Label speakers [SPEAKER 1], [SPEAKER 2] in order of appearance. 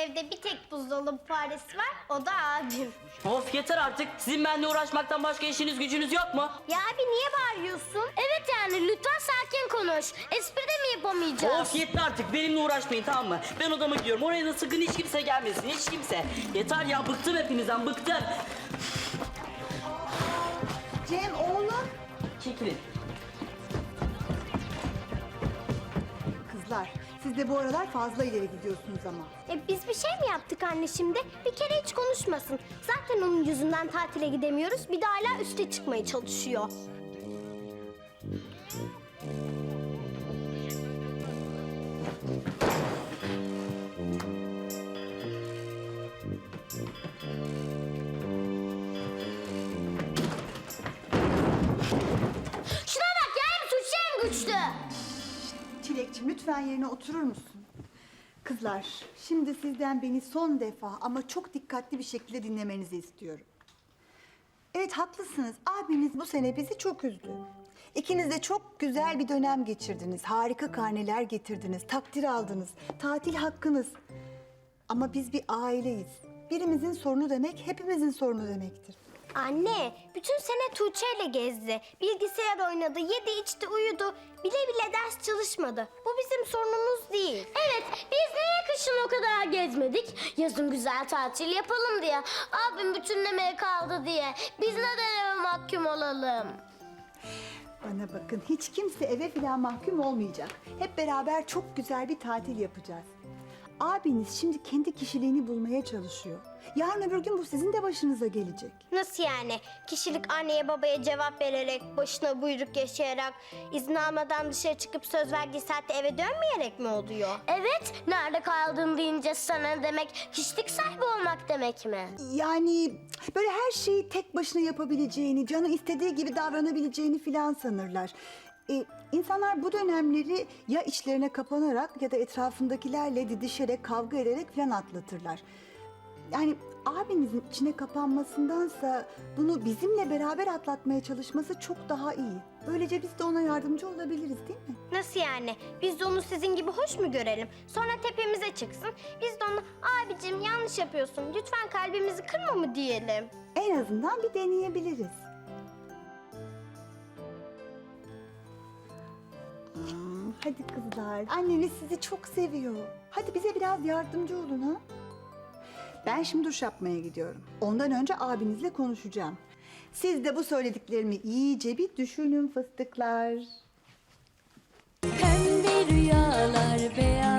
[SPEAKER 1] evde bir tek buzdolabı faresi var, o da abim.
[SPEAKER 2] Of yeter artık. Sizin benimle uğraşmaktan başka işiniz gücünüz yok mu?
[SPEAKER 1] Ya abi niye bağırıyorsun? Evet yani lütfen sakin konuş. Espri de mi yapamayacağız?
[SPEAKER 2] Of yeter artık. Benimle uğraşmayın, tamam mı? Ben odama gidiyorum. Oraya da sakın hiç kimse gelmesin. Hiç kimse. Yeter ya, bıktım hepinizden, bıktım.
[SPEAKER 3] Cem oğlum.
[SPEAKER 2] Çekilin.
[SPEAKER 3] Kızlar siz de bu aralar fazla ileri gidiyorsunuz ama.
[SPEAKER 1] Biz bir şey mi yaptık anne şimdi? Bir kere hiç konuşmasın. Zaten onun yüzünden tatile gidemiyoruz. Bir de hala üste çıkmaya çalışıyor. Şuna bak ya, hem suçlu hem güçlü.
[SPEAKER 3] Çilekçim lütfen yerine oturur musun? Kızlar şimdi sizden beni son defa ama çok dikkatli bir şekilde dinlemenizi istiyorum. Evet haklısınız. Abiniz bu sene bizi çok üzdü. İkiniz de çok güzel bir dönem geçirdiniz. Harika karneler getirdiniz. Takdir aldınız. Tatil hakkınız. Ama biz bir aileyiz. Birimizin sorunu demek hepimizin sorunu demektir.
[SPEAKER 1] Anne, bütün sene Tuğçe ile gezdi. Bilgisayar oynadı, yedi içti, uyudu. Bile bile ders çalışmadı. Bu bizim sorunumuz değil. Evet, biz niye kışın o kadar gezmedik? Yazın güzel tatil yapalım diye. Abim bütünlemeye kaldı diye. Biz neden eve mahkum olalım?
[SPEAKER 3] Bana bakın hiç kimse eve falan mahkum olmayacak. Hep beraber çok güzel bir tatil yapacağız. Abiniz şimdi kendi kişiliğini bulmaya çalışıyor. Yarın öbür gün bu sizin de başınıza gelecek.
[SPEAKER 1] Nasıl yani? Kişilik anneye babaya cevap vererek, başına buyruk yaşayarak, izin almadan dışarı çıkıp söz verdiği saatte eve dönmeyerek mi oluyor? Evet, nerede kaldın deyince sana demek, kişilik sahibi olmak demek mi?
[SPEAKER 3] Yani böyle her şeyi tek başına yapabileceğini, canı istediği gibi davranabileceğini filan sanırlar. İnsanlar bu dönemleri ya içlerine kapanarak ya da etrafındakilerle didişerek, kavga ederek filan atlatırlar. Yani abinizin içine kapanmasındansa bunu bizimle beraber atlatmaya çalışması çok daha iyi. Böylece biz de ona yardımcı olabiliriz değil mi?
[SPEAKER 1] Nasıl yani? Biz de onu sizin gibi hoş mu görelim? Sonra tepemize çıksın. Biz de ona abicim yanlış yapıyorsun, lütfen kalbimizi kırma mı diyelim?
[SPEAKER 3] En azından bir deneyebiliriz. Hadi kızlar, anneniz sizi çok seviyor. Hadi bize biraz yardımcı olun ha. Ben şimdi duş yapmaya gidiyorum. Ondan önce abinizle konuşacağım. Siz de bu söylediklerimi iyice bir düşünün fıstıklar.
[SPEAKER 4] Pembe rüyalar, beyaz